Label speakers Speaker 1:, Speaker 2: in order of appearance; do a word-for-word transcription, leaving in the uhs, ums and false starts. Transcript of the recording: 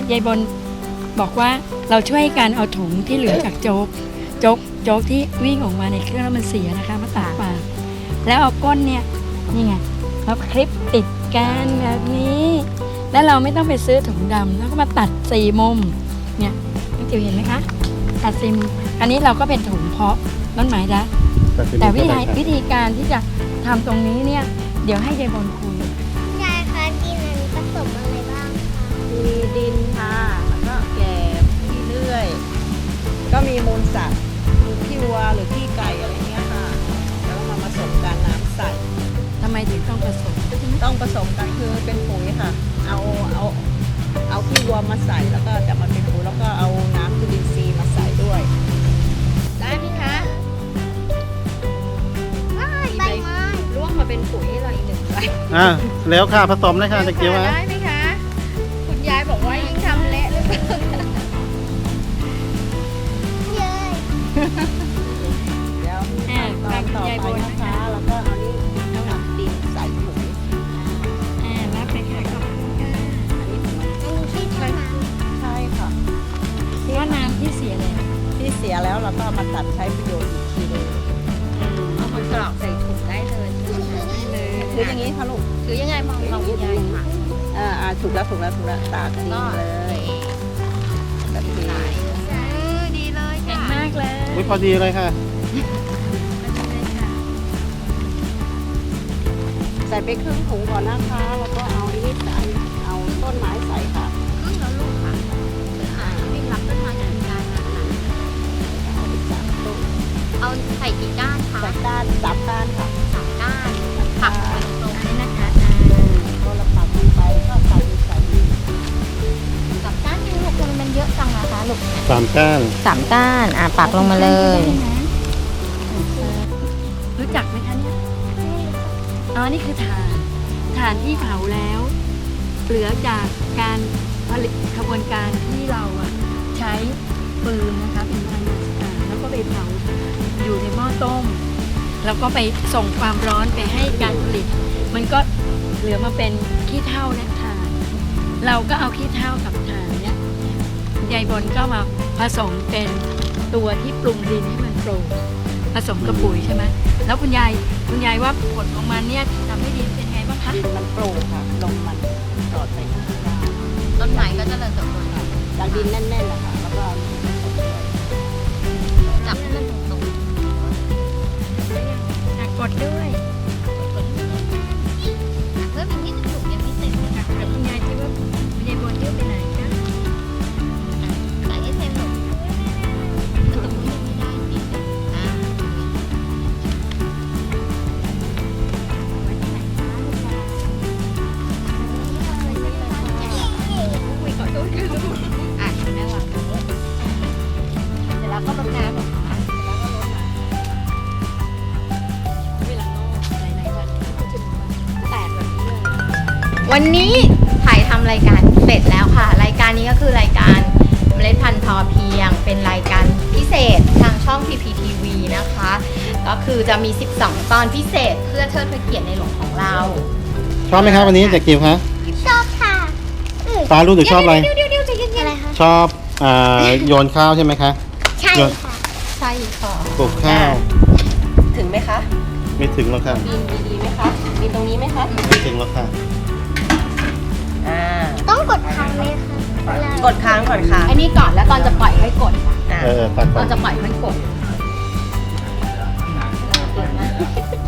Speaker 1: ยายบนบอกว่าเราช่วยกันเอาถุงที่เหลือจากโจ๊กโจ๊กโจ๊กที่วิ่งออกมาในเครื่องแล้วมันเสียนะคะมาตัดปากแล้วเอาก้นเนี่ยนี่ไงมาคลิปติดกันแบบนี้แล้วเราไม่ต้องไปซื้อถุงดำแล้วก็มาตัดสี่มุมเนี่ยน้องจิ๋วเห็นไหมคะตัดสี่มุมอันนี้เราก็เป็นถุงเพาะต้นไม้ละแต่วิธีวิธีการที่จะทำตรงนี้เนี่ยเดี๋ยวให้ยายบนคุย
Speaker 2: ยายคะดินอันนี้ผสมอะไรบ้างคะ
Speaker 3: มีดินค่ะแล้วก็แกบขี้เลื่อยก็มีมูลสัตว์มูลขี้วัวหรือขี้ไก่อะไรเงี้ยค่ะแล้วก็มาผสมกันน้ำใส่
Speaker 1: ทำไมถึงต้องผสม
Speaker 3: ต้องผสมกันคือเป็นปุ๋ยค่ะเอาเอาเอาขี้วัวมาใส่แล้วก็จะมาเป็นปุ๋ยแล้วก็เอาน้ำจุลินทรีย์มาใส่ด้วยได้ไหมคะ
Speaker 2: ว้ายใบไม้
Speaker 3: ร่วงมาเป็นปุ๋ยให้เราอีกหนึ่งใบ
Speaker 4: อ่ะแล้วค่ะผสมเลยค่ะตะกี้ว่า
Speaker 3: ได้ไหมคะคุณยายบอกว่ายิ่งทำเละเลย
Speaker 2: เย้ย
Speaker 3: เดี๋ยว
Speaker 1: แอบ
Speaker 3: ตอนต่อไปนะคะแล้วก็เอานี่น้ำดินใส่ถุง
Speaker 1: อ่ารับไปค่ะขอบคุณค่ะ
Speaker 3: อันนี้ของมัน
Speaker 2: อันนี้ใช่ท่าน้ำ
Speaker 3: ใช่ค่ะ
Speaker 1: ว่าน้ำที่เสียแล้ว
Speaker 3: ที่เสียแล้วเราก็เอามาตัดใช้ประโยชน์อีกทีหนึง
Speaker 5: เอามากรอกใส่ถุงได้เลยได้เลย
Speaker 3: คืออย่างนี้ค่ะลูก
Speaker 5: คือยังไงมองเราคุณยายค่ะ
Speaker 3: อ่าอ่าถูกแล้วถูกแล้วถูกแล้วตากดีเลยแบบนี้
Speaker 5: เออดีเลย
Speaker 1: เก่ง
Speaker 5: ค่ะ
Speaker 1: มากเลย
Speaker 4: อุ้ยพอดีเลยค่ะ
Speaker 3: ใส่ไปครึ่งถุงก่อนนะคะแล้วก็เอาอันนี้ใส่เอาต้นไม้ใส่ค่ะ
Speaker 5: ครึ่งแล้วลูกค่ะอ่าไม่รับต้นไม้จากคุณยายมาค่ะ
Speaker 3: เอาไปจับต้น
Speaker 5: เอาใส่กี่ก้านคะ
Speaker 3: ใส่ก้านจับก้านค่ะ
Speaker 5: สามก้านผักเป็นตรง
Speaker 1: อันนี้นะคะ
Speaker 3: ก็เราปักลงไปก็ใส่ใส่
Speaker 5: สามก้านยังลูกมันมันเยอะจังนะคะลูก
Speaker 4: สามก้าน
Speaker 5: สามก้านอ่าปักลงมาเลย
Speaker 1: รู้จักไหมคะเนี่ยอ๋อนี่คือถ่านถ่านที่เผาแล้ว เหลือจากการผลิตขบวนการที่เราอะใช้ฟืนนะคะเป็นพลังงานสะอาดแล้วก็ไปเผาอยู่ในหม้อต้ม แล้วก็ไปส่งความร้อนไปให้การผลิต มันก็เหลือมาเป็นขี้เถ้าและถ่าน เราก็เอาขี้เถ้ากับถ่านเนี่ยยายบนก็มาผสมเป็นตัวที่ปรุงดินให้มันโปร่งผสมกับปุ๋ยใช่ไหมแล้วคุณยายคุณยายว่าผลของมันเนี่ยทำให้ดินเป็นไงบ้างคะ
Speaker 3: ดินมันโปร่งค่ะลมมันสอดใส่ข้างล่าง
Speaker 5: ต้นไม้ก็เจะเริญเติบโตค่ะ
Speaker 3: จากดินแน่นๆนะคะแล้วก็
Speaker 5: จับให้มันตรง
Speaker 1: อ่ะกดด้วย
Speaker 5: ๆเพิ่มอีกนิดนึงลูกยังไม่เสร็จเลยค่ะ
Speaker 1: แต่คุณยายคิดว่าคุณยายบนเยอะไปไหนคะ
Speaker 5: ใส่ให้เต็มลูกแล้วตรงนี้ยังไม่ได้นิดนึงอ่า
Speaker 1: อุ้ยขอโทษค่ะลูก
Speaker 5: อ่ะแม่วางเสร็จแล้วก็รดน้ำเหรอคะ
Speaker 1: เวลางอกหลายๆวันก็จะมีวันแตกแบบนี้เลย
Speaker 5: วันนี้ถ่ายทำรายการเสร็จแล้วค่ะ รายการนี้ก็คือรายการเมล็ดพันธุ์พอเพียง เป็นรายการพิเศษทางช่อง พี พี ที วี นะคะ ก็คือจะมี สิบสอง ตอนพิเศษเพื่อเทิดพระเกียรติในหลวงของเรา
Speaker 4: ชอบไหมครับวันนี้ตะกี้คะ
Speaker 2: ชอบค่ะอืม
Speaker 4: ฟ้ารู้สึกชอบอะไร
Speaker 5: เดี๋ยวเดี๋ยวเดี๋ยวใจเย็น
Speaker 2: อะไรคะ
Speaker 4: ชอบอ่าโยนข้าวใช่ไหมคะ
Speaker 2: ใช่ค่ะ
Speaker 5: ๆใช่ค่ะ
Speaker 4: ปลูกข้าว
Speaker 3: ถึงไหมคะ
Speaker 4: ไม่ถึงหรอกค่ะ
Speaker 3: ดินดีๆไหมคะดินตรงนี้ไหมคะ
Speaker 4: ไม่ถึงหรอกค่ะ
Speaker 3: อ่า
Speaker 2: ต้องกดค้างไหมคะเวลาก
Speaker 3: ดค้างก่อนค่ะ
Speaker 5: อันนี้ก่อนแล้วตอนจะปล่อยให้กดค่ะ
Speaker 3: อ่า
Speaker 4: เออตัด
Speaker 5: ต
Speaker 4: ก่อ
Speaker 5: อน นจะปล่อยให้กด